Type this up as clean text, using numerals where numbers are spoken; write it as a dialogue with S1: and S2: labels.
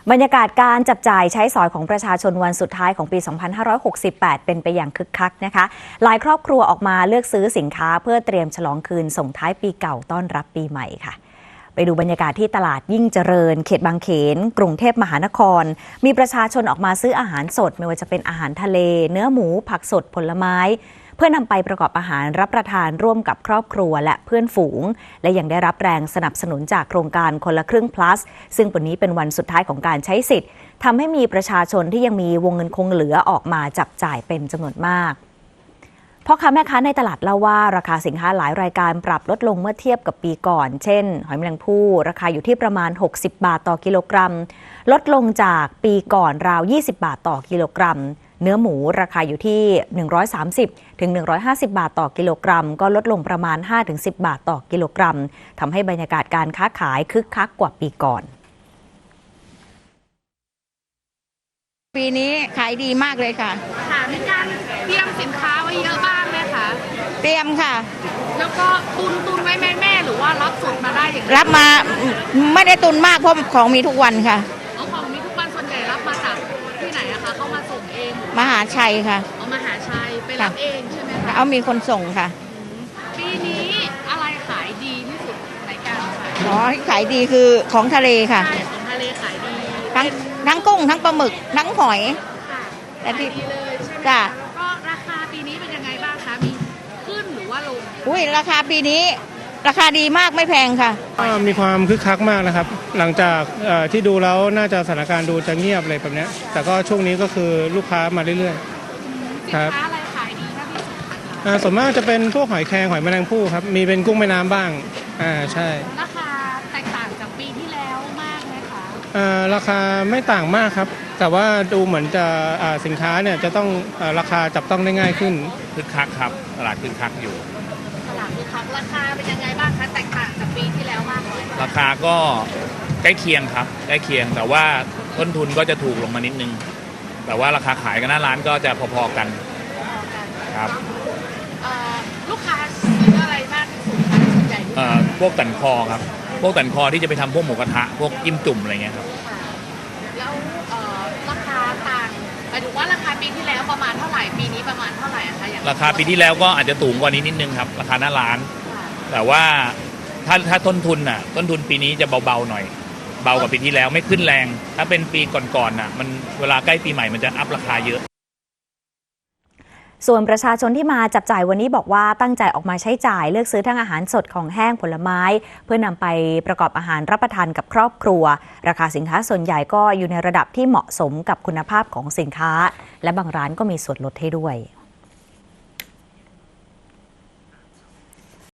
S1: บรรยากาศการจับจ่ายใช้สอยของประชาชนวันสุดท้ายของปี 2568 เป็นไปอย่างคึกคักนะคะหลายครอบครัวออกมาเลือกซื้อสินค้าเพื่อเตรียมฉลองคืนส่งท้ายปีเก่าต้อนรับปีใหม่ค่ะไปดูบรรยากาศที่ตลาดยิ่งเจริญเขตบางเขนกรุงเทพมหานครมีประชาชนออกมาซื้ออาหารสดไม่ว่าจะเป็นอาหารทะเลเนื้อหมูผักสดผลไม้เพื่อนำไปประกอบอาหารรับประทานร่วมกับครอบครัวและเพื่อนฝูงและยังได้รับแรงสนับสนุนจากโครงการคนละครึ่ง plus ซึ่งวันนี้เป็นวันสุดท้ายของการใช้สิทธิ์ทำให้มีประชาชนที่ยังมีวงเงินคงเหลือออกมาจับจ่ายเป็นจำนวนมากพ่อค้าแม่ค้าในตลาดเล่าว่าราคาสินค้าหลายรายการปรับลดลงเมื่อเทียบกับปีก่อนเช่นหอยแมลงภู่ราคาอยู่ที่ประมาณ60 บาทต่อกิโลกรัมลดลงจากปีก่อนราว20 บาทต่อกิโลกรัมเนื้อหมูราคาอยู่ที่130ถึง150 บาทต่อกิโลกรัมก็ลดลงประมาณ 5-10 บาทต่อกิโลกรัมทำให้บรรยากาศการค้าขายคึกคักกว่าปีก่อน
S2: ปีนี้ขายดีมากเลยค่ะ
S3: ค่ะมีการเตรียมสินค้าไว้เยอะบ้างไหมคะ
S2: เตรียมค่ะ
S3: แล้วก็ตุนไว้แม่หรือว่ารับสดมาได้อย่าง
S2: รับมาไม่ได้ตุนมากเพราะของมีทุกวันค่ะ
S3: ของมีทุกวันส่วนใหญ่รับมาจากที่ไหนอะคะเขามาส่งเอง
S2: มหาชัยค่ะ
S3: มหาชัยไปรับเองใช่ไหมคะ
S2: เอามีคนส่งค่ะ
S3: ปีนี้อะไรขายดีที่สุดในการขาย
S2: ขายดีคือของทะเลค่ะ
S3: ใช่ของทะเลขายดี
S2: ทั้งกุ้งทั้งปลาหมึกทั้งหอย
S3: แต่ที่ดีเลยใช่ไหมคะแล้วก็ราคาปีนี้เป็นยังไงบ้างคะมีขึ้นหรือว่าลง
S2: ราคาปีนี้ราคาดีมากไม่แพงค่ะ
S4: มีความคึกคักมากนะครับหลังจากที่ดูแล้วน่าจะสถานการณ์ดูจะเงียบอะไรแบบนี้แต่ก็ช่วงนี้ก็คือลูกค้ามาเรื่อย
S3: ๆครับสินค้าอะไรขายดีที่สุดคะ
S4: ส่วนมากจะเป็นพวกหอยแครงหอยแมลงภู่ครับมีเป็นกุ้งแม่น้ำบ้างใช่
S3: ราคาแตกต่างจากปีที่แล้วมากไหมคะ
S4: ราคาไม่ต่างมากครับแต่ว่าดูเหมือนจะสินค้าเนี่ยจะต้องราคาจับต้องได้ง่ายขึ้น
S5: คึกคักครับตลาดคึกคักอยู่
S3: ตลาดคึกคักราคาเป็นยังไงบ้างคะแตกต่างจากปีที่แล้วมากน้อย
S5: ราคาก็ใกล้เคียงครับใกล้เคียงแต่ว่าต้นทุนก็จะถูกลงมานิดนึงแต่ว่าราคาขายกันหน้าร้านก็จะพอๆกันครับ
S3: ลูกค้าซื้ออะไรมากที่สุดคะส่วนใหญ่
S5: พวกตันคอครับพวกตันคอที่จะไปทำพวกหมูกระทะพวกจิ้มจุ่มอะไรเงี้ยครับ
S3: แล้วราคาต่างหมายถึงว่าราคาปีที่แล้วประมาณเท่าไหร่ปีนี้ประมาณเท่าไหร่คะอย่าง
S5: ราคาปีที่แล้วก็อาจจะสูงกว่านี้นิดนึงครับราคาหน้าร้านแต่ว่าถ้าต้นทุนปีนี้จะเบาๆหน่อยเบากว่าปีที่แล้วไม่ขึ้นแรงถ้าเป็นปีก่อนๆมันเวลาใกล้ปีใหม่มันจะอัพราคาเยอะ
S1: ส่วนประชาชนที่มาจับจ่ายวันนี้บอกว่าตั้งใจออกมาใช้จ่ายเลือกซื้อทั้งอาหารสดของแห้งผลไม้เพื่อนำไปประกอบอาหารรับประทานกับครอบครัวราคาสินค้าส่วนใหญ่ก็อยู่ในระดับที่เหมาะสมกับคุณภาพของสินค้าและบางร้านก็มีส่วนลดให้ด้วย